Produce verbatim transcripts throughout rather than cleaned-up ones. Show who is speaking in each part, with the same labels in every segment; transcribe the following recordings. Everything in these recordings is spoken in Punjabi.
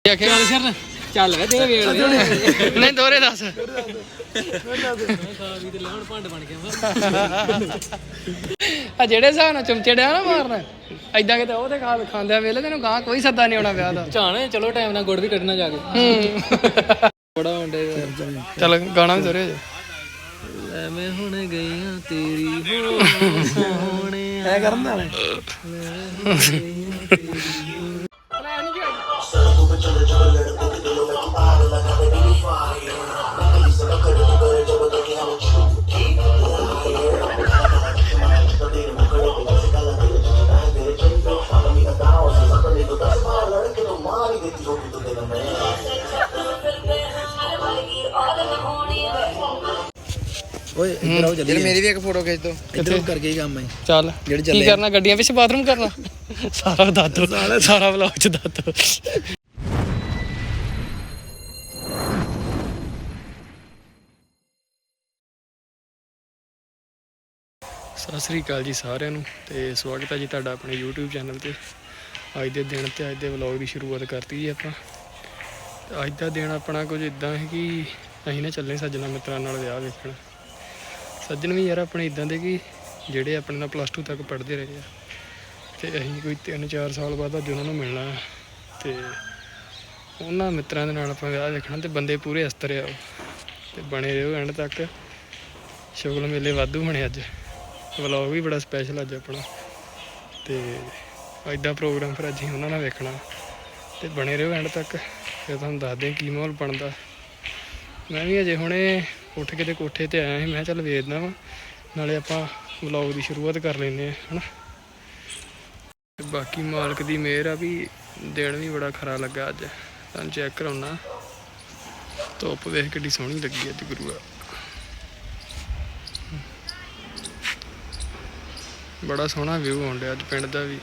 Speaker 1: ਚੱਲ ਸਰ ਚੱਲ ਵੇ ਦੇ ਵੇਲ ਨਹੀਂ ਦੋਰੇ ਦੱਸ ਭੰਡ ਬਣ ਗਿਆ ਆ ਜਿਹੜੇ ਹਿਸਾਬ ਨਾਲ ਚਮਚੇ ਡਿਆ ਨਾ ਮਾਰਨਾ ਏਦਾਂ ਕਿਤੇ ਉਹ ਤੇ ਖਾ ਖਾਂਦਿਆਂ ਵੇਲੇ ਤੈਨੂੰ ਗਾਂ ਕੋਈ ਸੱਦਾ ਨਹੀਂ ਆਉਣਾ ਵਿਆਹ ਦਾ ਝਾਣ ਚਲੋ ਟਾਈਮ ਨਾਲ ਗੁੜ ਵੀ ਕੱਢਣਾ ਜਾ ਕੇ ਬੜਾ ਹੁੰਦੇ ਚੱਲ ਗਾਣਾ ਵੀ ਦੋਰੇ ਲੈ ਮੈਂ ਹੁਣ ਗਈਆਂ ਤੇਰੀ ਹੋਣੇ ਐ ਕਰਨ ਦਾ
Speaker 2: ਓਏ ਇੱਧਰ ਆਓ ਜਲਦੀ
Speaker 1: ਮੇਰੀ ਵੀ ਇੱਕ ਫੋਟੋ ਖਿੱਚ ਦੋ
Speaker 2: ਇੱਧਰ ਕਰਕੇ ਹੀ ਕੰਮ ਹੈ
Speaker 1: ਚੱਲ ਕੀ ਕਰਨਾ ਗੱਡੀਆਂ ਵਿੱਚ ਬਾਥਰੂਮ ਕਰਨਾ ਸਾਰਾ ਦੱਸ ਦੋ ਸਾਰਾ ਵਲੌਗ ਚ ਦੱਸ ਦੋ ਸਤਿ ਸ੍ਰੀ ਅਕਾਲ ਜੀ ਸਾਰਿਆਂ ਨੂੰ ਤੇ ਸਵਾਗਤ ਹੈ ਜੀ ਤੁਹਾਡਾ ਆਪਣੇ YouTube ਚੈਨਲ ਤੇ ਅੱਜ ਦੇ ਦਿਨ ਤੇ ਅੱਜ ਦੇ ਵਲੌਗ ਦੀ ਸ਼ੁਰੂਆਤ ਕਰਤੀ ਜੀ ਆਪਾਂ ਅੱਜ ਦਾ ਦਿਨ ਆਪਣਾ ਕੁਝ ਇਦਾਂ ਹੈ ਕਿ ਅਸੀਂ ਨਾ ਚੱਲੇ ਸੱਜਣਾ ਮਿੱਤਰਾਂ ਨਾਲ ਵਿਆਹ ਵੇਖਣ ਸੱਜਣ ਵੀ ਯਾਰ ਆਪਣੇ ਇਦਾਂ ਦੇ ਕਿ ਜਿਹੜੇ ਆਪਣੇ ਨਾਲ ਪਲੱਸ ਟੂ ਤੱਕ ਪੜ੍ਹਦੇ ਰਹੇ ਆ ਤੇ ਅਸੀਂ ਕੋਈ ਤਿੰਨ ਚਾਰ ਸਾਲ ਬਾਅਦ ਅੱਜ ਉਹਨਾਂ ਨੂੰ ਮਿਲਣਾ ਤੇ ਉਹਨਾਂ ਮਿੱਤਰਾਂ ਦੇ ਨਾਲ ਆਪਾਂ ਵਿਆਹ ਵੇਖਣਾ ਤੇ ਬੰਦੇ ਪੂਰੇ ਅਸਤਰ ਆ ਤੇ ਬਣੇ ਰਹੋ ਐਂਡ ਤੱਕ ਸ਼ੁਗਲ ਮੇਲੇ ਵਾਧੂ ਬਣੇ ਅੱਜ ਵਲੌਗ ਵੀ ਬੜਾ ਸਪੈਸ਼ਲ ਅੱਜ ਆਪਣਾ ਤੇ ਐਡਾ ਪ੍ਰੋਗਰਾਮ ਫਿਰ ਅੱਜ ਅਸੀਂ ਉਹਨਾਂ ਨਾਲ ਵੇਖਣਾ ਤੇ ਬਣੇ ਰਹੋ ਐਂਡ ਤੱਕ ਫਿਰ ਤੁਹਾਨੂੰ ਦੱਸਦੇ ਕੀ ਮਾਹੌਲ ਬਣਦਾ ਮੈਂ ਵੀ ਅਜੇ ਹੁਣੇ ਉੱਠ ਕੇ ਤੇ ਕੋਠੇ ਤੇ ਆਇਆ ਸੀ ਮੈਂ ਚੱਲ ਵੇਖਦਾ ਵਾ ਨਾਲੇ ਆਪਾਂ ਵਲੌਗ ਦੀ ਸ਼ੁਰੂਆਤ ਕਰ ਲੈਂਦੇ ਹਾਂ ਹੈ ਨਾ ਤੇ ਬਾਕੀ ਮਾਲਕ ਦੀ ਮਿਹਰ ਆ ਵੀ ਦਿਨ ਵੀ ਬੜਾ ਖਰਾ ਲੱਗਾ ਅੱਜ ਤੁਹਾਨੂੰ ਚੈੱਕ ਕਰਾਉਣਾ ਧੁੱਪ ਵੇਖ ਕਿੱਡੀ ਸੋਹਣੀ ਲੱਗੀ ਅੱਜ ਗੁਰੂਆ ਬੜਾ ਸੋਹਣਾ ਵਿਊ ਆਉਣ ਡਿਆ ਅੱਜ ਪਿੰਡ ਦਾ ਵੀ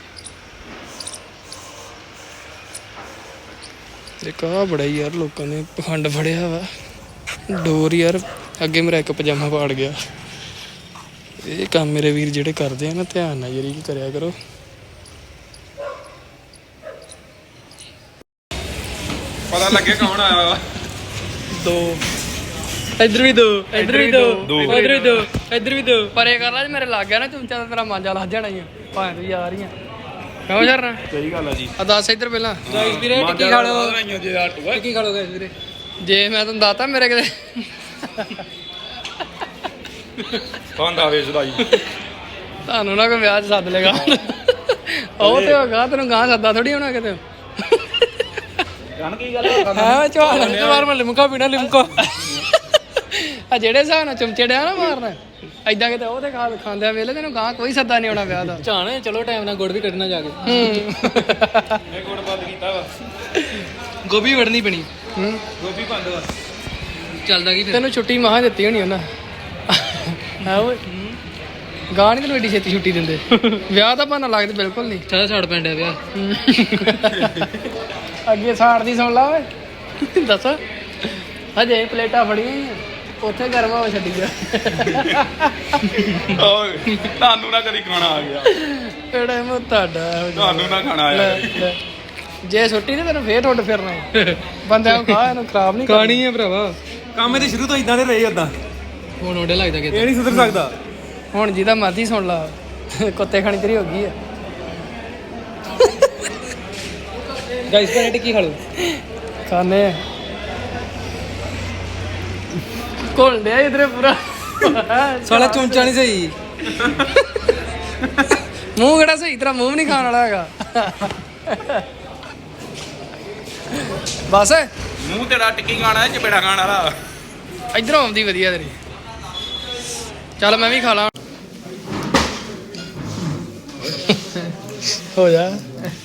Speaker 1: ਇੱਕ ਆ ਬੜਾ ਯਾਰ ਲੋਕਾਂ ਨੇ ਪਖੰਡ ਫੜਿਆ ਵਾ ਡੋਰ ਯਾਰ ਅੱਗੇ ਮੇਰਾ ਇੱਕ ਪਜਾਮਾ ਪਾੜ ਗਿਆ ਇਹ ਕੰਮ ਮੇਰੇ ਵੀਰ ਜਿਹੜੇ ਕਰਦੇ ਆ ਨਾ ਧਿਆਨ ਨਾਲ ਯਾਰੀ ਕੀ ਕਰਿਆ ਕਰੋ
Speaker 3: ਪਤਾ ਲੱਗੇ ਕੌਣ ਆਇਆ ਵਾ
Speaker 1: ਦੋ ਇੱਧਰ ਵੀ ਦੋ ਇੱਧਰ ਵੀ ਦੋ ਇੱਧਰ ਵੀ ਦੋ ਇੱਧਰ ਵੀ ਦੋ ਪਰੇ ਕਰ ਲਾ ਜੇ ਮੇਰੇ ਲੱਗ ਗਿਆ ਨਾ ਚਮਚਾ ਤਾਂ ਤੇਰਾ ਮਾਂਜਾ ਲੱਗ ਜਾਣਾ ਹੀ ਆ ਭਾਵੇਂ ਤੂੰ ਯਾਰ ਹੀ ਆ ਕਿਉਂ ਕਰਨਾ
Speaker 3: ਸਹੀ ਗੱਲ ਆ ਜੀ
Speaker 1: ਆ ਦੱਸ ਇੱਧਰ ਪਹਿਲਾਂ ਗਾਇਸ ਵੀਰੇ ਟਿੱਕੀ ਖਾ ਲਓ ਟਿੱਕੀ ਖਾ ਲਓ ਗਾਇਸ ਵੀਰੇ ਜੇ ਮੈਂ ਤੁਹਾਨੂੰ ਦੱਸਤਾ ਮੇਰੇ ਕਿਤੇ
Speaker 3: ਖਾਂਦਾ ਵੇਚਦਾ ਜੀ
Speaker 1: ਤੁਹਾਨੂੰ ਨਾ ਕੋਈ ਵਿਆਹ 'ਚ ਸੱਦ ਲੇਗਾ ਉਹ ਤੇ ਹੋਗਾ ਤੈਨੂੰ ਗਾਂ ਸੱਦਾ ਥੋੜੀ ਹੋਣਾ ਕਿਤੇ
Speaker 3: ਜਾਣ ਕੀ ਗੱਲ ਆ
Speaker 1: ਹਾਂ ਚਵਾਲ ਤੇ ਮਾਰ ਮੈਂ ਲਿਮਕਾ ਪੀਣਾ ਲਿਮਕਾ ਆ ਜਿਹੜੇ ਹਿਸਾਬ ਨਾਲ ਚਮਚੇ ਡਿਆ ਨਾ ਮਾਰਨਾ ਏਦਾਂ ਕਿਤੇ ਉਹ ਤੇ ਖਾ ਖਾਂਦਿਆਂ ਵੇਲੇ ਤੈਨੂੰ ਗਾਂ ਕੋਈ ਸੱਦਾ ਨਹੀਂ ਆਉਣਾ ਵਿਆਹ ਦਾ ਝਾਣ ਚਲੋ ਟਾਈਮ ਨਾਲ ਗੁੜ ਵੀ ਕੱਢਣਾ ਜਾ ਕੇ
Speaker 3: ਇਹ ਗੁੜ ਬੰਦ ਕੀਤਾ ਵਾ
Speaker 1: ਗੋਭੀ ਵੜਨੀ ਪੈਣੀ ਹੂੰ
Speaker 3: ਗੋਭੀ ਬੰਦ ਵਾ
Speaker 1: ਚੱਲਦਾ ਕੀ ਤੈਨੂੰ ਛੁੱਟੀ ਮਹਾਂ ਦਿੱਤੀ ਹੋਣੀ ਉਹਨਾਂ ਹੈ ਓਏ ਗਾਂ ਨਹੀਂ ਤੈਨੂੰ ਐਡੀ ਛੇਤੀ ਛੁੱਟੀ ਦਿੰਦੇ ਵਿਆਹ ਦਾ ਬਹਾਨਾ ਲੱਗਦਾ ਬਿਲਕੁਲ ਨਹੀਂ ਸਾਰਾ ਛੱਡ ਪੈਂਦਾ ਵਿਆਹ ਅੱਗੇ ਸਾੜ ਦੀ ਸੁਣ ਲਾ ਓਏ ਦੱਸ ਹਜੇ ਪਲੇਟਾਂ ਫੜੀਆਂ ਉੱਥੇ ਗਰਮ ਹੋ ਛੱਡੀ ਜਾ
Speaker 3: ਓਏ ਤੁਹਾਨੂੰ ਨਾ ਕਦੀ ਖਾਣਾ ਆ ਗਿਆ
Speaker 1: ਕਿਹੜਾ ਮੋ ਤੁਹਾਡਾ
Speaker 3: ਤੁਹਾਨੂੰ ਨਾ ਖਾਣਾ ਆਇਆ
Speaker 1: ਜੇ ਛੁੱਟੀ ਤੇ ਤੈਨੂੰ ਫੇਰ ਠੁੱਡ ਫਿਰਨਾ ਬੰਦਿਆਂ ਨੂੰ ਖਾ ਇਹਨੂੰ ਖਰਾਬ ਨਹੀਂ ਖਾਣੀ ਹੈ ਭਰਾਵਾ
Speaker 3: ਕੰਮ ਇਹਦੇ ਸ਼ੁਰੂ ਤੋਂ ਇਦਾਂ ਦੇ ਰਹੇ ਉਦਾਂ
Speaker 1: ਹੁਣ ਉਹਦੇ ਲੱਗਦਾ ਕਿ
Speaker 3: ਇਹ ਨਹੀਂ ਸੁਧਰ ਸਕਦਾ
Speaker 1: ਹੁਣ ਜਿਹਦਾ ਮਰਜ਼ੀ ਸੁਣ ਲਾ ਕੁੱਤੇ ਖਾਣੀ ਤੇਰੀ ਹੋ ਗਈ ਆ ਗਾਇਸ ਪਰ ਟਿੱਕੀ ਖਾ ਲਓ ਖਾਣੇ ਕੋਲ ਡਿਆ ਇਧਰੇ ਪੂਰਾ ਸਾਲਾ ਚੁੰਚਾ ਨਹੀਂ ਸਹੀ ਮੂੰਹ ਕਿਹੜਾ ਸਹੀ ਤਰ੍ਹਾਂ ਮੂੰਹ ਨਹੀਂ ਖਾਣ ਵਾਲਾ ਹੈਗਾ ਬਸ
Speaker 3: ਮੂੰਹ ਤੇਰਾ ਟਿੱਕੀ ਖਾਣਾ ਚਪੇੜਾ ਖਾਣ ਵਾਲਾ
Speaker 1: ਇਧਰੋਂ ਆਉਂਦੀ ਵਧੀਆ ਤੇਰੀ ਚੱਲ ਮੈਂ ਵੀ ਖਾ ਲਾਂ ਹੋ ਜਾ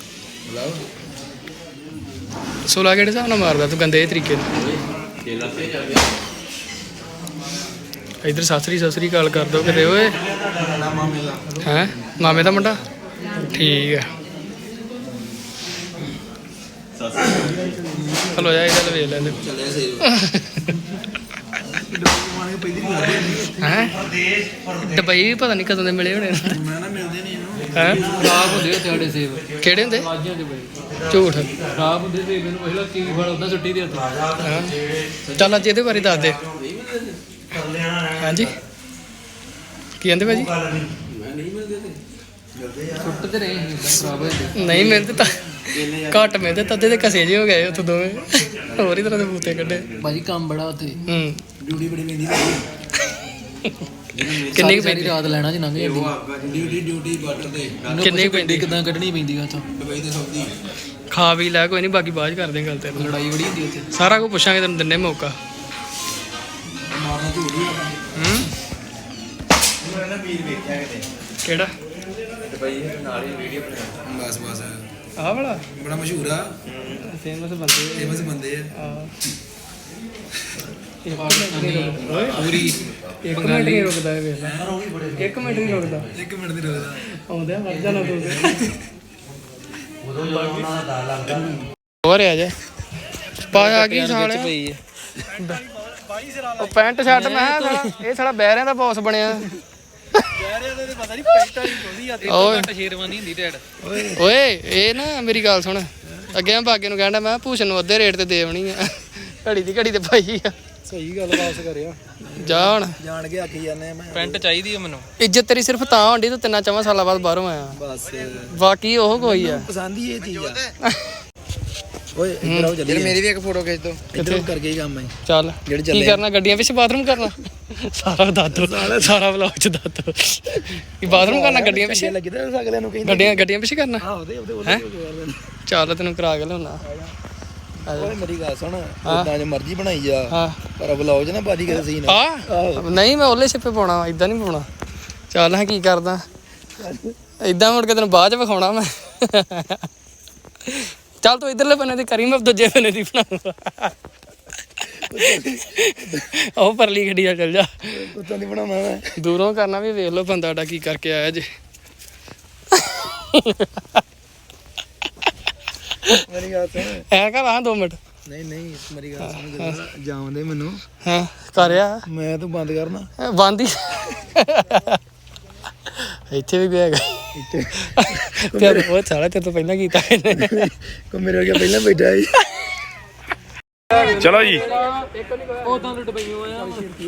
Speaker 1: ਸੋਲਾ ਕਿਹੜੇ ਹਿਸਾਬ ਨਾਲ ਮਾਰਦਾ ਤੂੰ ਗੰਦੇ ਤਰੀਕੇ ਨਾਲ ਇਧਰ ਸਾਸਰੀ ਸਾਸਰੀ ਕਾਲ ਕਰ ਦੋ ਕਿਤੇ ਓਏ ਹੈਂ ਮਾਮੇ ਦਾ ਮੁੰਡਾ ਠੀਕ ਆ ਹਲੋ ਜਾ ਇਹਦਾ ਵੇਖ ਲੈਂਦੇ ਹੈ ਦੁਬਈ ਵੀ ਪਤਾ ਨਹੀਂ ਕਦੋਂ ਦੇ ਮਿਲੇ ਹੋਣੇ
Speaker 2: ਮੈਂ ਨਾ ਮਿਲਦੇ ਨਹੀਂ ਇਹਨੂੰ
Speaker 1: ਹੈ
Speaker 4: ਖਰਾਬ ਹੁੰਦੇ ਉੱਥੇ ਸਾਡੇ ਸੇਬ
Speaker 1: ਕਿਹੜੇ ਹੁੰਦੇ
Speaker 4: ਬਾਜੀਆਂ ਦੇ ਬੜੇ
Speaker 1: ਝੂਠ
Speaker 4: ਖਰਾਬ ਹੁੰਦੇ ਸੇਬ ਮੈਨੂੰ ਪਹਿਲਾਂ ਕੀ ਫਲ ਹੁੰਦਾ ਸੁੱਟੀ ਦੇ ਉੱਤੇ
Speaker 1: ਹਾਂ ਚੱਲ ਅੱਜ ਇਹਦੇ ਬਾਰੇ ਦੱਸ ਦੇ ਹਾਂਜੀ ਕੀ ਕਹਿੰਦੇ ਭਾਜੀ
Speaker 4: ਸੁੱਟ ਤੇ ਰਹੇ ਸੀ ਏਦਾਂ ਖਰਾਬ ਹੋਏ ਹੁੰਦੇ।
Speaker 1: ਨਹੀਂ ਮਿਲਦੇ ਤਾਂ ਘੱਟ ਮਿਲਦੇ ਤਦੇ ਦੇ ਕਸੇ ਜਿਹੇ ਹੋ ਗਏ ਉੱਥੇ ਦੋਵੇਂ ਹੋਰ ਹੀ ਤਰ੍ਹਾਂ ਦੇ ਬੂਤੇ ਕੱਢੇ
Speaker 4: ਭਾਜੀ ਕੰਮ ਬੜਾ ਉੱਥੇ
Speaker 1: ਹੂੰ
Speaker 2: ਡਿਊਟੀ ਬੜੀ ਪੈਂਦੀ
Speaker 1: ਕਿੰਨੀ ਕੁ
Speaker 4: ਸਾਰੀ
Speaker 1: ਪੈਂਦੀ
Speaker 4: ਰਾਤ ਲੈਣਾ ਚ ਲੰਘ ਜਾਂਦੀ
Speaker 2: ਡਿਊਟੀ ਡਿਊਟੀ ਬਾਰਡਰ ਤੇ
Speaker 1: ਕਿੰਨੀ ਕੁ ਪੈਂਦੀ
Speaker 4: ਕਿਦਾਂ ਕੱਢਣੀ ਪੈਂਦੀ ਆ ਉੱਥੋਂ
Speaker 2: ਦੁਬਈ ਤੇ ਸੌਦੀ
Speaker 1: ਖਾ ਵੀ ਲੈ ਕੋਈ ਨਹੀਂ ਬਾਕੀ ਬਾਅਦ 'ਚ ਕਰਦੇ ਗੱਲ ਤੇਰੇ ਨਾਲ
Speaker 4: ਲੜਾਈ ਬੜੀ ਹੁੰਦੀ ਉੱਥੇ
Speaker 1: ਸਾਰਾ ਕੁਝ ਪੁੱਛਾਂਗੇ ਤੈਨੂੰ ਦਿੰਨੇ ਮੌਕਾ
Speaker 2: ਮਾਰਨਾ ਝੂੜੀ ਆ
Speaker 1: ਹੂੰ
Speaker 2: ਮੈਂ ਨਾ ਵੀਰ ਵੇਖਿਆ ਕਿਤੇ
Speaker 1: ਕਿਹੜਾ
Speaker 2: ਦੁਬਈ ਨਾਲ ਹੀ ਵੀਡੀਓ ਬਣਾ ਬਸ ਬਸ
Speaker 1: ਆਹ ਵਾਲਾ
Speaker 2: ਬੜਾ ਮਸ਼ਹੂਰ ਆ
Speaker 1: ਫੇਮਸ ਬੰਦੇ
Speaker 2: ਫੇਮਸ ਬੰਦੇ ਆ
Speaker 1: ਆ ਇੱਕ ਮਿੰਟ ਨਹੀਂ ਰੁਕਦਾ ਓਏ
Speaker 2: ਪੂਰੀ
Speaker 1: ਇੱਕ ਮਿੰਟ ਨਹੀਂ ਰੁਕਦਾ ਇਹ ਵੇਖ ਲੈ ਇੱਕ ਮਿੰਟ ਨਹੀਂ ਰੁਕਦਾ
Speaker 2: ਇੱਕ ਮਿੰਟ ਦੀ ਰੁਕਦਾ
Speaker 1: ਆਉਂਦੇ ਆ ਮਰ ਜਾਣਾ ਤੂੰ ਹੋਰ ਆ ਜਾ ਪਾਇਆ ਕੀ ਸਾਲਿਆ
Speaker 4: ਪਈ
Speaker 1: ਉਹ ਪੈਂਟ ਸ਼ਰਟ ਮੈਂ ਕਿਹਾ ਸਾਲਾ ਇਹ ਸਾਲਾ ਬਹਿਰਿਆਂ ਦਾ ਬੌਸ ਬਣਿਆ ਓਏ
Speaker 4: ਸ਼ੇਰਵਾਨੀ ਹੁੰਦੀ ਡੈਡ
Speaker 1: ਓਏ ਇਹ ਨਾ ਮੇਰੀ ਗੱਲ ਸੁਣ ਅੱਗੇ ਮੈਂ ਬਾਗੇ ਨੂੰ ਕਹਿੰਦਾ ਮੈਂ ਭੂਸ਼ਣ ਨੂੰ ਅੱਧੇ ਰੇਟ ਤੇ ਦੇ ਆਉਣੀ ਆ ਘੜੀ ਦੀ ਘੜੀ ਤੇ ਪਾਈ ਆ
Speaker 2: ਸਹੀ ਗੱਲ ਵਾਪਸ ਕਰਿਆ
Speaker 1: ਜਾ ਹੁਣ
Speaker 2: ਜਾਣ ਕੇ ਆਖੀ ਜਾਂਦੇ ਆ ਮੈਂ
Speaker 4: ਪੈਂਟ ਚਾਹੀਦੀ ਆ ਮੈਨੂੰ
Speaker 1: ਇੱਜ਼ਤ ਤੇਰੀ ਸਿਰਫ ਤਾਂ ਹੁੰਦੀ ਤੂੰ ਤਿੰਨਾਂ ਚਵਾਂ ਸਾਲਾਂ ਬਾਅਦ ਬਾਹਰੋਂ ਆਇਆ
Speaker 2: ਬਸ
Speaker 1: ਬਾਕੀ ਉਹ ਕੋਈ ਆ
Speaker 2: ਪਸੰਦ ਹੀ ਇਹ ਚੀਜ਼ ਆ ਓਏ ਇੱਧਰ ਆਓ ਚੱਲੀਏ ਮੇਰੀ ਵੀ ਇੱਕ ਫੋਟੋ ਖਿੱਚ ਦੋ ਇੱਧਰ ਕਰਕੇ ਹੀ ਕੰਮ ਹੈ
Speaker 1: ਚੱਲ
Speaker 2: ਜਿਹੜੇ
Speaker 1: ਕੀ
Speaker 2: ਚੱਲੇ
Speaker 1: ਕਰਨਾ ਗੱਡੀਆਂ ਪਿੱਛੇ ਬਾਥਰੂਮ ਕਰਨਾ ਸਾਰਾ ਦੱਸ ਦੋ ਸਾਰਾ ਵਲੌਗ ਚ ਦੱਸ ਦੋ ਕੀ ਬਾਥਰੂਮ ਕਰਨਾ ਗੱਡੀਆਂ ਪਿੱਛੇ
Speaker 2: ਲੱਗੀ ਤਾਂ ਅਗਲਿਆਂ ਨੂੰ ਕਹਿੰਦੇ
Speaker 1: ਗੱਡੀਆਂ ਗੱਡੀਆਂ ਪਿੱਛੇ ਕਰਨਾ
Speaker 2: ਆਹ ਉਹਦੇ ਉਹਦੇ ਉਹਦੇ
Speaker 1: ਚੱਲ ਤੈਨੂੰ ਕਰਾ ਕੇ ਲਿਆਉਣਾ
Speaker 2: ਓਏ ਮੇਰੀ ਗੱਲ ਸੁਣ ਉਦਾਂ ਜੇ ਮਰਜ਼ੀ ਬਣਾਈ ਜਾ
Speaker 1: ਹਾਂ
Speaker 2: ਪਰ ਬਲੌਗ 'ਚ ਨਾ ਬਾਜੀ ਕਿਤੇ ਸੀਨ
Speaker 1: ਆ ਨਹੀਂ ਮੈਂ ਉਹਲੇ ਛਿੱਪੇ ਪਾਉਣਾ ਇਦਾਂ ਨਹੀਂ ਪਾਉਣਾ ਚੱਲ ਹਾਂ ਕੀ ਕਰਦਾ ਇਦਾਂ ਮੁੜ ਕੇ ਤੈਨੂੰ ਬਾਅਦ ਚ ਵਿਖਾਉਣਾ ਮੈਂ ਚੱਲ ਤੂੰ ਇਧਰਲੇ ਬੰਨੇ ਦੀ ਕਰੀ ਮੈਂ ਦੂਜੇ ਬੰਨੇ ਦੀ ਬਣਾਉਂਗਾ ਉਹ ਪਰਲੀ ਗੱਡੀ ਆ ਚੱਲ ਜਾ
Speaker 2: ਉੱਤਾਂ ਦੀ ਬਣਾਉਣਾ ਮੈਂ
Speaker 1: ਦੂਰੋਂ ਕਰਨਾ ਵੀ ਵੇਖ ਲਓ ਬੰਦਾ ਸਾਡਾ ਕੀ ਕਰਕੇ ਆਇਆ ਜੇ
Speaker 2: ਮੇਰੀ ਗੱਲ ਸੁਣ
Speaker 1: ਐ ਕਰ ਆ ਦੋ ਮਿੰਟ
Speaker 2: ਨਹੀਂ ਨਹੀਂ ਮੇਰੀ ਗੱਲ ਸੁਣ ਜਾਉਂਦੇ ਮੈਨੂੰ
Speaker 1: ਹਾਂ ਕਰਿਆ
Speaker 2: ਮੈਂ ਤੂੰ ਬੰਦ ਕਰਨਾ
Speaker 1: ਬੰਦ ਹੀ ਇੱਥੇ ਵੀ ਗਿਆ
Speaker 2: ਇੱਥੇ
Speaker 1: ਤੇ ਉਹ ਸਾਲਾ ਤੇ ਤੋਂ ਪਹਿਲਾਂ ਕੀਤਾ ਇਹਨੇ
Speaker 2: ਕੋ ਮੇਰੇ ਵਰਗਾ ਪਹਿਲਾਂ ਬੈਠਾ ਸੀ
Speaker 3: ਚਲੋ ਜੀ
Speaker 4: ਉਦਾਂ ਲੁੱਟ ਪਈਓ ਆ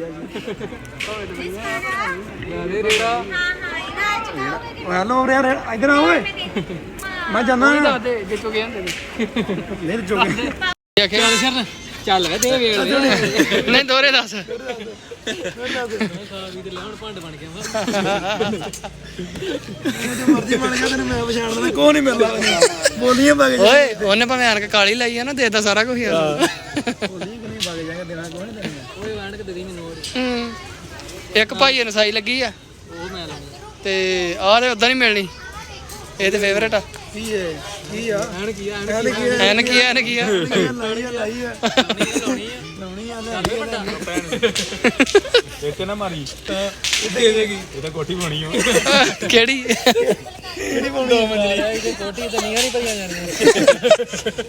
Speaker 4: ਯਾਰੇ ਰੇੜਾ
Speaker 2: ਹੈਲੋ ਯਾਰ ਇੱਧਰ ਆ ਓਏ ਮੈਂ ਜਾਣਾ
Speaker 1: ਦੱਸ ਦੇ ਜੇ ਚੁਗੇ ਹੁੰਦੇ ਨੇ
Speaker 2: ਨਹੀਂ ਚੁੱਕ
Speaker 1: ਆਖਿਆ
Speaker 4: ਸ਼ਰਨ ਚੱਲ ਵੇ ਦੇ ਵੇਲ
Speaker 1: ਨਹੀਂ ਦੋਰੇ ਦੱਸ
Speaker 4: ਸਾਵੀ ਤੇ ਲੈਣ ਭੰਡ ਬਣ ਗਿਆ
Speaker 2: ਜੇ ਮਰਜ਼ੀ ਬਣ ਗਿਆ ਤੈਨੂੰ ਮੈਂ ਪਛਾਣ ਲੈਣਾ ਕੋਈ ਨਹੀਂ ਮਿਲਦਾ ਬੋਲੀਆਂ ਪਾ ਕੇ
Speaker 1: ਓਏ ਉਹਨੇ ਭਾਵੇਂ ਆਣ ਕੇ ਕਾਲੀ ਲਾਈ ਆ ਨਾ ਦੇਦਾ ਸਾਰਾ ਕੁਝ ਯਾਰ
Speaker 2: ਬੋਲੀਆਂ ਕਿ ਨਹੀਂ ਪਾ ਕੇ ਜਾਏਗਾ ਦੇਣਾ ਕੋਈ ਨਹੀਂ ਦੇਣਾ
Speaker 4: ਓਏ ਵੈਣ ਕੇ ਦੇ ਦੀ ਮੈਨੂੰ ਹੋਰ
Speaker 1: ਹੂੰ ਇੱਕ ਭਾਈ ਨੂੰ ਸਾਈ ਲੱਗੀ ਆ
Speaker 4: ਉਹ ਮੈਂ ਲਾਉਣੀ
Speaker 1: ਤੇ ਆਹ ਤੇ ਉਦਾਂ ਨਹੀਂ ਮਿਲਣੀ ਇਹ ਤੇ ਫੇਵਰੇਟ ਆ
Speaker 2: ਕੀ ਹੈ ਕੀ ਆ
Speaker 4: ਐਣ ਕੀ ਆ
Speaker 2: ਐਨ ਕੀ ਆ
Speaker 1: ਐਨ ਕੀ ਆ ਐਨ ਕੀ ਆ
Speaker 2: ਲਾਈ ਆ ਲਾਈ ਆ
Speaker 4: ਲਾਉਣੀ ਆ
Speaker 2: ਲਾਉਣੀ ਆ ਲੈ
Speaker 3: ਇੱਥੇ ਨਾ ਮਾਰੀ ਦੇ ਦੇਗੀ ਇਹ ਤਾਂ ਕੋਠੀ ਬਣੀ ਹੋ
Speaker 1: ਕਿਹੜੀ
Speaker 2: ਕਿਹੜੀ ਪਾਉਣੀ ਆ ਮੰਜਲੀ
Speaker 4: ਇਹਦੇ ਕੋਠੀ ਤੇ ਨੀਆਂ ਨਹੀਂ ਪਈਆਂ ਜਾਣੀਆਂ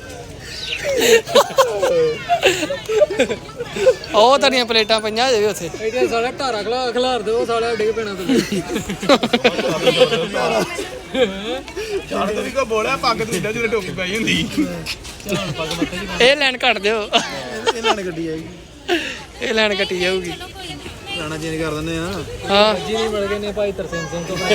Speaker 1: ਉਹ ਤੁਹਾਡੀਆਂ ਪਲੇਟਾਂ ਪਈਆਂ ਜੇ ਵੀ ਉੱਥੇ
Speaker 4: ਇਹਦੇ ਸਾਲਾ ਢਾਰਾ ਖਲਾ ਖਲਾਰ ਦੇ ਉਹ ਸਾਲਾ ਡਿੱਗ ਪੈਣਾ ਤੇ
Speaker 3: ਚਾਰ ਤੋਂ ਵੀ ਕੋ ਬੋਲਿਆ ਪੱਗ ਤੂੰ ਇੱਦਾਂ ਜਿਵੇਂ ਟੋਪੀ ਪਾਈ ਹੁੰਦੀ
Speaker 1: ਇਹ ਲਾਈਨ ਕੱਟ ਦਿਓ
Speaker 2: ਇਹ ਲੈਣ ਗੱਡੀ ਆਏਗੀ
Speaker 1: ਇਹ ਲਾਈਨ ਕੱਟੀ ਜਾਊਗੀ
Speaker 2: ਲਾਣਾ ਚੇਂਜ ਕਰ ਦਿੰਦੇ ਆ
Speaker 1: ਹਾਂ
Speaker 4: ਜੀ ਨਹੀਂ ਮਿਲ ਗਏ ਨੇ ਭਾਈ ਤਰਸੇਮ ਸਿੰਘ ਤੋਂ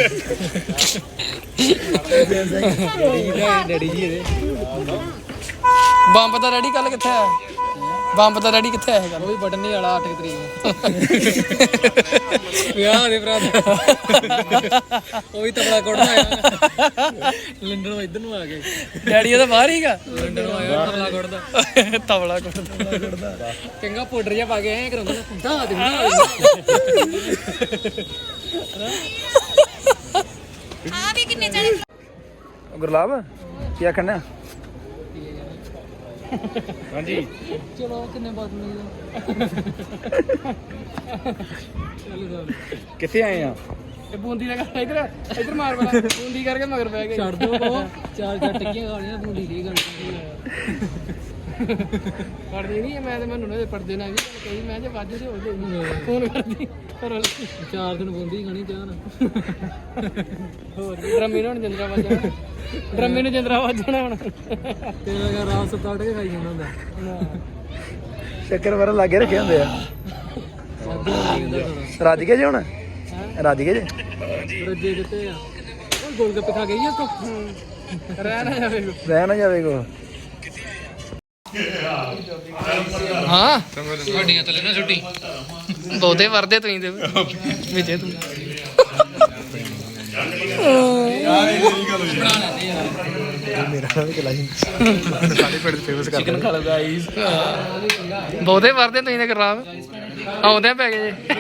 Speaker 4: ਡੈਡੀ ਜੀ ਇਹਦੇ
Speaker 1: ਬੰਬ ਦਾ ਰੈਡੀ ਕੱਲ ਕਿੱਥੇ ਆ ਬੰਬ ਦਾ ਰੈਡੀ ਕਿੱਥੇ ਆ ਇਹ ਗੱਲ
Speaker 4: ਉਹ ਵੀ ਬਟਨ ਨਹੀਂ ਵਾਲਾ ਅੱਠ ਤਰੀਕ ਨੂੰ ਵਿਆਹ ਦੇ ਭਰਾ ਉਹ ਵੀ ਤਬਲਾ ਕੋੜਨਾ ਆਇਆ ਲੰਡਨੋਂ ਇੱਧਰ ਨੂੰ ਆ ਗਏ
Speaker 1: ਡੈਡੀ ਉਹਦਾ ਬਾਹਰ ਹੀਗਾ
Speaker 4: ਲੰਡਨੋਂ ਆਇਆ ਤਬਲਾ ਕੋੜਦਾ
Speaker 1: ਤਬਲਾ ਕੁੱਟਦਾ
Speaker 4: ਚੰਗਾ ਪਾਊਡਰ ਜਿਹਾ ਪਾ ਕੇ ਐਂ ਕਰਾਉਂਦਾ ਨਾ ਦਾ ਦੇ
Speaker 5: ਆ ਵੀ ਕਿੰਨੇ ਜਣੇ
Speaker 2: ਗੁਰਲਾਬ ਕੀ ਆਖਣਾ
Speaker 3: ਹਾਂਜੀ
Speaker 4: ਚਲੋ ਕਿੰਨੇ ਬਾਤ ਨਹੀਂ
Speaker 3: ਕਿੱਥੇ ਆਏ ਆ
Speaker 1: ਇਹ ਬੂੰਦੀ ਦਾ ਕਰ ਇਧਰ ਇਧਰ ਮਾਰ ਬਲਾ ਬੂੰਦੀ ਕਰਕੇ ਮਗਰ ਪੈ ਗਏ
Speaker 4: ਛੱਡ ਦੋ ਉਹ ਚਾਰ ਚਾਰ ਟਿੱਕੀਆਂ ਖਾਣੀਆਂ ਬੂੰਦੀ ਦੀ ਗੱਲ
Speaker 1: ਪੜਦੇ ਨਹੀਂ ਮੈਂ ਤੇ ਮੈਨੂੰ ਨਾ ਪੜਦੇ ਨਾ ਵੀ ਕਹੀ ਮੈਂ ਜੇ ਵੱਜ ਤੇ ਹੋ ਜਾਈ ਫੋਨ ਕਰਦੀ ਪਰ
Speaker 4: ਚਾਰ ਦਿਨ ਬੂੰਦੀ ਖਾਣੀ ਚਾਹ ਨਾ
Speaker 1: ਹੋਰ ਡਰਮੇ ਨੂੰ ਜਿੰਦਰਾ ਵੱਜਣਾ ਡਰਮੇ ਨੂੰ ਜਿੰਦਰਾ ਵੱਜਣਾ ਹੁਣ
Speaker 4: ਤੇਰਾ ਘਰ ਰਾਤ ਸਤਾੜ ਕੇ ਖਾਈ ਜਾਂਦਾ ਹੁੰਦਾ
Speaker 2: ਚੱਕਰ ਵਰ ਲਾਗੇ ਰੱਖੇ ਹੁੰਦੇ ਆ
Speaker 4: ਸਾਦਾ ਨਹੀਂ ਹੁੰਦਾ ਥੋੜਾ
Speaker 2: ਰੱਜ ਗਏ ਜੇ ਹੁਣ ਰੱਜ ਗਏ ਜੇ
Speaker 4: ਰੱਜੇ ਕਿੱਥੇ ਆ ਉਹ ਗੋਲ ਗੱਪੇ ਖਾ ਗਈ ਆ ਤੋ
Speaker 1: ਰਹਿ ਨਾ ਜਾਵੇ
Speaker 2: ਰਹਿ ਨਾ ਜਾਵੇ ਕੋ
Speaker 1: ਹਾਂ ਵੱਡੀਆਂ ਤਲੇ ਨਾ ਛੁੱਟੀ ਬਹੁਤੇ ਵਰਦੇ ਤੁਸੀਂ ਤੇ ਵਿੱਚੇ ਤੂੰ
Speaker 2: ਮੇਰਾ ਵੀ ਕਲਾ ਜੀ ਸਾਡੇ ਪਿੰਡ ਫੇਮਸ ਕਰਦੇ ਚਿਕਨ ਖਾ ਲਓ ਗਾਈਸ
Speaker 1: ਬਹੁਤੇ ਵਰਦੇ ਤੁਸੀਂ ਤੇ ਖਰਾਬ ਆਉਂਦੇ ਪੈ ਗਏ ਜੇ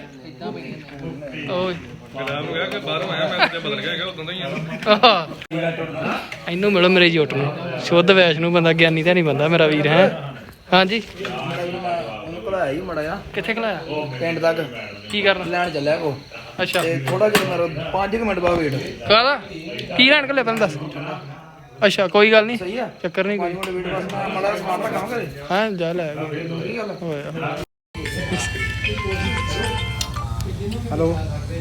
Speaker 1: ਓਏ
Speaker 3: ਗਲਾਮ ਗਿਆ ਕਿ ਬਾਹਰੋਂ ਆਇਆ ਮੈਂ ਤੇ ਬਦਲ ਗਿਆ ਉਦੋਂ ਦਾ ਹੀ ਆ
Speaker 1: ਇਹਨੂੰ ਮਿਲੋ ਮੇਰੇ ਜੋਟ ਨੂੰ ਸ਼ੁੱਧ ਵੈਸ਼ਨੂੰ ਬੰਦਾ ਗਿਆਨੀ ਤਾਂ ਨਹੀਂ ਬੰਦਾ ਮੇਰਾ ਵੀਰ ਹੈ ਹਾਂਜੀ
Speaker 2: ਇਹਨੂੰ ਭਲਾਇਆ ਹੀ ਮੜਾ ਆ
Speaker 1: ਕਿੱਥੇ ਖਲਾਇਆ
Speaker 2: ਪਿੰਡ ਤੱਕ
Speaker 1: ਕੀ ਕਰਨ
Speaker 2: ਲੈਣ ਚੱਲਿਆ ਕੋ
Speaker 1: ਅੱਛਾ
Speaker 2: ਤੇ ਥੋੜਾ ਜਿਹਾ ਮਾਰੋ ਪੰਜ ਕੁ ਮਿੰਟ ਬਾਅਦ ਵੇਟ
Speaker 1: ਕਾਹਦਾ ਕੀ ਲੈਣ ਕੱਲੇ ਤੈਨੂੰ ਦੱਸ ਅੱਛਾ ਕੋਈ ਗੱਲ ਨਹੀਂ
Speaker 2: ਸਹੀ ਆ
Speaker 1: ਚੱਕਰ ਨਹੀਂ
Speaker 2: ਪੰਜ
Speaker 1: ਕੋਈ
Speaker 2: ਮਿੰਟ ਵੇਟ ਬਸ ਮੈਂ ਮੜਾ ਸਮਾਨ ਰੱਖਾਂ ਘਰੇ
Speaker 1: ਹਾਂ ਜਾ ਲੈ
Speaker 2: ਕੀ ਗੱਲ
Speaker 1: ਹੋਇਆ
Speaker 2: ਹੈਲੋ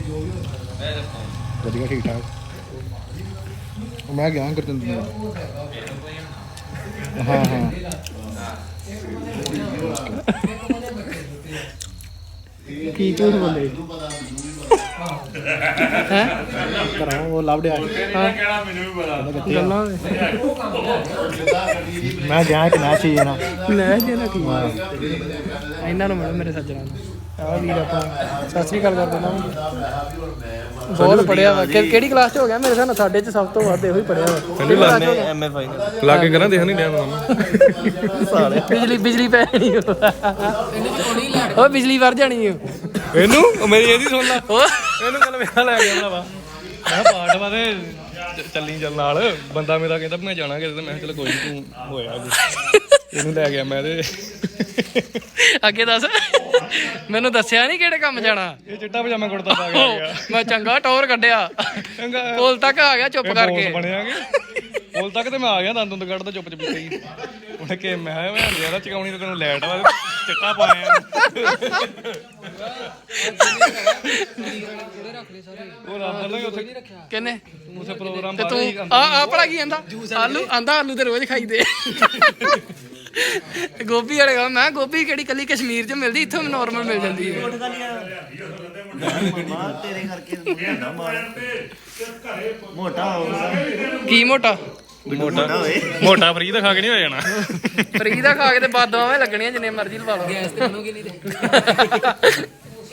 Speaker 2: ਵਧੀਆ ਠੀਕ ਠਾਕ ਮੈਂ ਗਿਆ ਕਰ ਦਿੰਦਾ ਹਾਂ ਹਾਂ
Speaker 1: ਕੀ ਝੂਠ ਬੋਲੇ ਹੈ
Speaker 2: ਕਰਾਂ ਉਹ ਲੱਭੜਿਆ
Speaker 1: ਹਾਂ
Speaker 3: ਮੈਨੂੰ ਵੀ ਪਤਾ
Speaker 1: ਗੱਲਾਂ
Speaker 2: ਮੈਂ ਗਿਆ ਕਿ ਨਾ ਚੀਜ਼ ਨਾ
Speaker 1: ਲੈ ਜੇ ਨਾ ਕੀ ਇਹਨਾਂ ਨੂੰ ਮਿਲੋ ਮੇਰੇ ਸੱਜਣਾ ਨੂੰ ਆ ਵੀਰ ਆਪਾਂ ਸਤਿ ਸ੍ਰੀ ਅਕਾਲ ਕਰਦੇ ਨਾ ਬਹੁਤ ਪੜਿਆ ਵਾ ਕਿ- ਕਿਹੜੀ ਕਲਾਸ ਚ ਹੋ ਗਿਆ ਮੇਰੇ ਹਿਸਾਬ ਨਾਲ ਸਾਡੇ ਚ ਸਭ ਤੋਂ ਵੱਧ ਇਹੋ ਹੀ ਪੜਿਆ ਵਾ
Speaker 2: ਐਮ ਏ ਫਾਈਨਲ
Speaker 3: ਲਾ ਕੇ ਕਰਾਂ ਦੇਖ ਨਹੀਂ ਡਿਆ ਮੈਂ
Speaker 1: ਸਾਲੇ ਬਿਜਲੀ ਬਿਜਲੀ ਪੈ ਜਾਣੀ ਉਹ ਬਿਜਲੀ ਵਰ ਜਾਣੀ ਓ
Speaker 3: ਇਹਨੂੰ ਮੇਰੀ ਇਹਦੀ ਸੁਣ ਲਾ
Speaker 1: ਉਹ
Speaker 3: ਇਹਨੂੰ ਕੱਲ ਵਿਆਹ ਲੈ ਗਿਆ ਭਰਾਵਾ ਮੈਂ ਕਿਹਾ ਪਾਠ ਵਾਦੇ ਚੱਲੀ ਚੱਲ ਨਾਲ ਬੰਦਾ ਮੇਰਾ ਕਹਿੰਦਾ ਮੈਂ ਜਾਣਾ ਕਿਤੇ ਤੇ ਮੈਂ ਕਿਹਾ ਚਲ ਕੋਈ ਨਹੀਂ ਤੂੰ ਹੋਇਆ ਇਹਨੂੰ ਲੈ ਗਿਆ ਮੈਂ ਤੇ
Speaker 1: ਅੱਗੇ ਦੱਸ ਮੈਨੂੰ ਦੱਸਿਆ ਨਹੀਂ ਕਿਹੜੇ ਕੰਮ ਜਾਣਾ
Speaker 3: ਇਹ ਚਿੱਟਾ ਪਜਾਮਾ ਕੁੜਤਾ ਪਾ ਕੇ ਆ ਗਿਆ
Speaker 1: ਮੈਂ ਚੰਗਾ ਟੌਰ ਕੱਢਿਆ
Speaker 3: ਚੰਗਾ
Speaker 1: ਕੋਲ ਤੱਕ ਆ ਗਿਆ ਚੁੱਪ ਕਰਕੇ
Speaker 3: ਬਣਿਆਗੇ ਕੋਲ ਤੱਕ ਤੇ ਮੈਂ ਆ ਗਿਆ ਦੰਦ ਦੁੰਦ ਕੱਢਦਾ ਚੁੱਪ ਚੁੱਪ ਹੀ ਉਹਨੇ ਕਿ ਮੈਂ ਮੈਂ ਯਾਰ ਚਕਾਉਣੀ ਤੇ ਤੈਨੂੰ ਲੈਟ ਵਾ ਚਿੱਟਾ ਪਾਇਆ ਉਹ ਰੱਬ ਨੇ ਉੱਥੇ
Speaker 1: ਕਿੰਨੇ
Speaker 3: ਉਸੇ ਪ੍ਰੋਗਰਾਮ
Speaker 1: ਤੇ
Speaker 3: ਬਾਰੇ
Speaker 1: ਤੂੰ ਆ ਆ ਭਲਾ ਕੀ ਆਂਦਾ ਆਲੂ ਆਂਦਾ ਆਲੂ ਤੇ ਰੋਜ਼ ਖਾਈਦੇ ਗੋਭੀ ਵਾਲੇ ਕਹਿੰਦਾ ਮੈਂ ਗੋਭੀ ਕਿਹੜੀ ਕੱਲੀ ਕਸ਼ਮੀਰ 'ਚ ਮਿਲਦੀ ਇੱਥੋਂ ਨਾਰਮਲ ਮਿਲ ਜਾਂਦੀ ਹੈ
Speaker 2: ਤੇਰੇ ਕਰਕੇ ਮੋਟਾ ਹੋਊਗਾ
Speaker 1: ਕੀ ਮੋਟਾ
Speaker 3: ਮੋਟਾ ਮੋਟਾ ਫਰੀ ਤਾਂ ਖਾ ਕੇ ਨਹੀਂ ਹੋ ਜਾਣਾ
Speaker 1: ਫਰੀ ਦਾ ਖਾ ਕੇ ਤੇ ਬਾਦਾਂ ਲੱਗਣੀਆਂ ਜਿੰਨੇ ਮਰਜ਼ੀ ਲਵਾ ਲਓ
Speaker 4: ਗੈਸ ਤੇ ਬਣੂਗੀ ਨਹੀਂ ਤੇ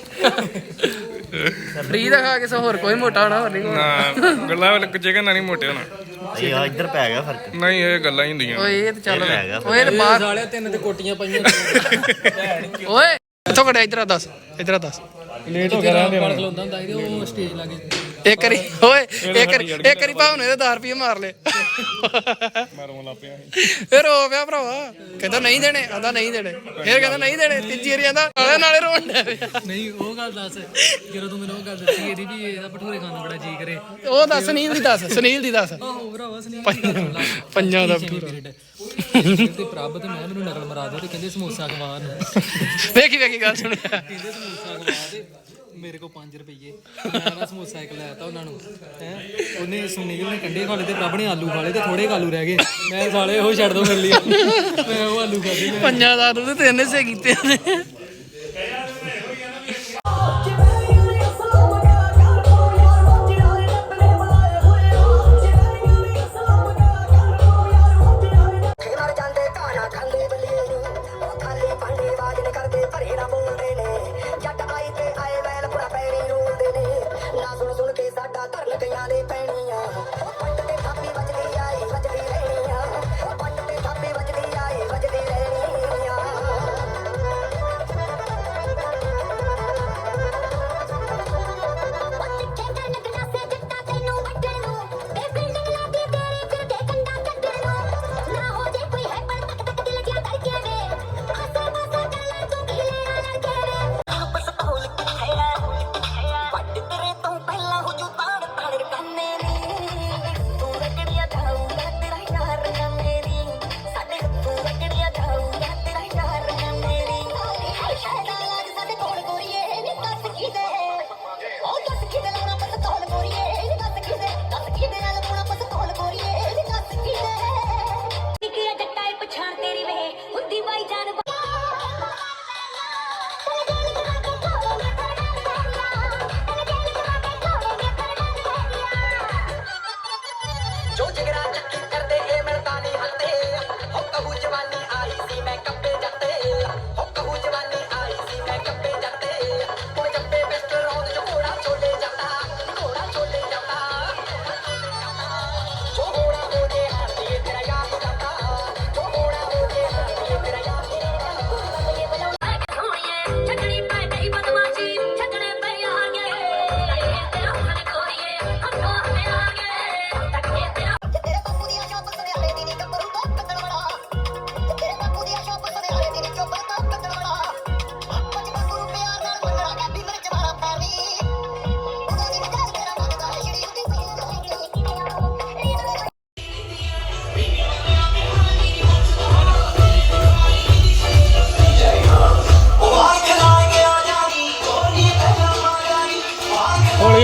Speaker 1: ਫਰੀ ਦਾ ਖਾ ਕੇ ਸੋ ਹੋਰ ਕੋਈ ਮੋਟਾ ਹੋਣਾ ਹੋਰ ਨਹੀਂ ਹੋਣਾ
Speaker 3: ਨਾ ਗੱਲਾਂ ਵਾਲੇ ਚਿਕਨ ਨਾਲ ਨਹੀਂ ਮੋਟੇ ਹੋਣਾ
Speaker 2: ਇਹ ਇੱਧਰ ਪੈ ਗਿਆ ਫਰਕ
Speaker 3: ਨਹੀਂ ਇਹ ਗੱਲਾਂ ਹੀ ਹੁੰਦੀਆਂ
Speaker 1: ਓਏ ਇਹ ਤੇ ਚੱਲ ਓਏ ਇਹ ਬਾਹਰ
Speaker 4: ਸਾਲਿਆ ਤਿੰਨ ਤੇ ਕੋਟੀਆਂ ਪਾਈਆਂ
Speaker 1: ਓਏ ਇੱਥੋਂ ਕੜਿਆ ਇਧਰ ਆ ਦੱਸ ਇਧਰ ਆ ਦੱਸ
Speaker 3: ਲੇਟ ਹੋ ਗਿਆ ਰਹਿੰਦੇ
Speaker 4: ਬੜ ਖਲੋਂਦਾ ਹੁੰਦਾ ਸੀ ਉਹ ਸਟੇਜ ਲਾ ਕੇ
Speaker 1: ਇੱਕ ਵਾਰੀ ਓਏ ਇੱਕ ਵਾਰੀ ਇੱਕ ਵਾਰੀ ਭਾਵ ਨੇ ਇਹਦੇ ਦਸ ਰੁਪਏ ਮਾਰ ਲਏ
Speaker 3: ਮਾਰੋਂ ਲਾ ਪਿਆ
Speaker 1: ਫਿਰ ਹੋ ਪਿਆ ਭਰਾਵਾ ਕਹਿੰਦਾ ਨਹੀਂ ਦੇਣੇ ਆਂਦਾ ਨਹੀਂ ਦੇਣੇ ਫਿਰ ਕਹਿੰਦਾ ਨਹੀਂ ਦੇਣੇ ਤੀਜੀ ਵਾਰੀ ਆਂਦਾ ਨਾਲੇ ਨਾਲੇ ਰੋਣ ਡਿਆ ਪਿਆ
Speaker 4: ਨਹੀਂ ਉਹ ਗੱਲ ਦੱਸ ਜਦੋਂ ਤੂੰ ਮੈਨੂੰ ਉਹ ਗੱਲ ਦੱਸੀ ਇਹਦੀ ਵੀ ਇਹਦਾ ਭਟੂਰੇ ਖਾਣ ਨੂੰ ਬੜਾ ਜੀ ਕਰੇ
Speaker 1: ਉਹ ਦੱਸ ਸੁਨੀਲ ਦੀ ਦੱਸ ਸੁਨੀਲ ਦੀ ਦੱਸ
Speaker 4: ਆਹੋ ਭਰਾਵਾ ਸੁਨੀਲ
Speaker 1: ਪੰਜਾਂ ਦਾ
Speaker 4: ਤੇ ਪ੍ਰਭ ਤੇ ਮੈਂ ਮੈਨੂੰ ਨਕਲ ਮਰਾ ਦੇ ਤੇ ਕਹਿੰਦੇ ਸਮੋਸਾ ਖਵਾ ਨੂੰ
Speaker 1: ਵੇਖੀ ਵੇਖੀ ਗੱਲ ਸੁਣਿਆ
Speaker 4: ਕਹਿੰਦੇ ਸਮੋਸਾ ਖਵਾ ਦੇ ਮੇਰੇ ਕੋਲ ਪੰਜ ਰੁਪਏ ਮੈਂ ਨਾ ਸਮੋਸਾ ਇੱਕ ਲੈਤਾ ਉਹਨਾਂ ਨੂੰ ਹੈ ਉਹਨੇ ਸੁਨੀਲ ਨੇ ਕੰਡੇ ਖਾ ਲਏ ਤੇ ਪ੍ਰਭ ਨੇ ਆਲੂ ਖਾ ਲਏ ਤੇ ਥੋੜੇ ਆਲੂ ਰਹਿ ਗਏ ਮੈਂ ਸਾਲੇ ਉਹ ਛੱਡ ਦੋ ਮੇਰੇ ਲਈ ਮੈਂ ਉਹ ਆਲੂ ਖਾਦੇ
Speaker 1: ਪੰਜਾਂ ਦਾ ਤੂੰ ਤੇ ਤਿੰਨ ਹਿੱਸੇ ਕੀਤੇ ਨੇ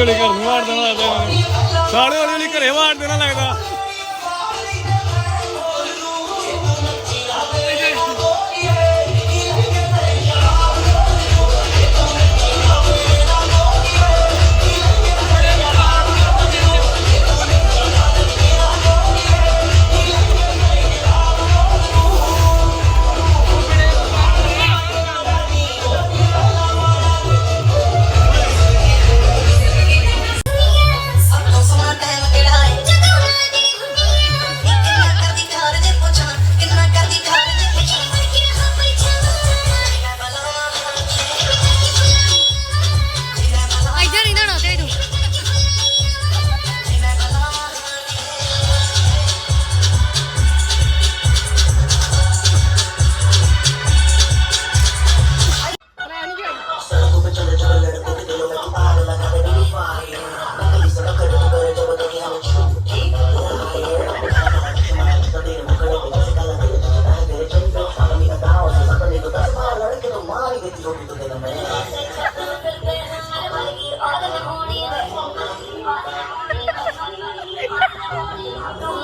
Speaker 3: ਹੌਲੀ ਘਰ ਨੂੰ ਮਾਰ ਦੇਣਾ ਲੱਗਦਾ ਇਹਨਾਂ ਨੇ ਸਾਲੇ ਹੌਲੀ ਹੌਲੀ ਘਰੇ ਮਾਰ ਦੇਣਾ ਲੱਗਦਾ
Speaker 5: ਇੱਧਰ ਨਹੀਂ ਜਾਣਾ ਤੇ ਤੂੰ
Speaker 6: Thank you.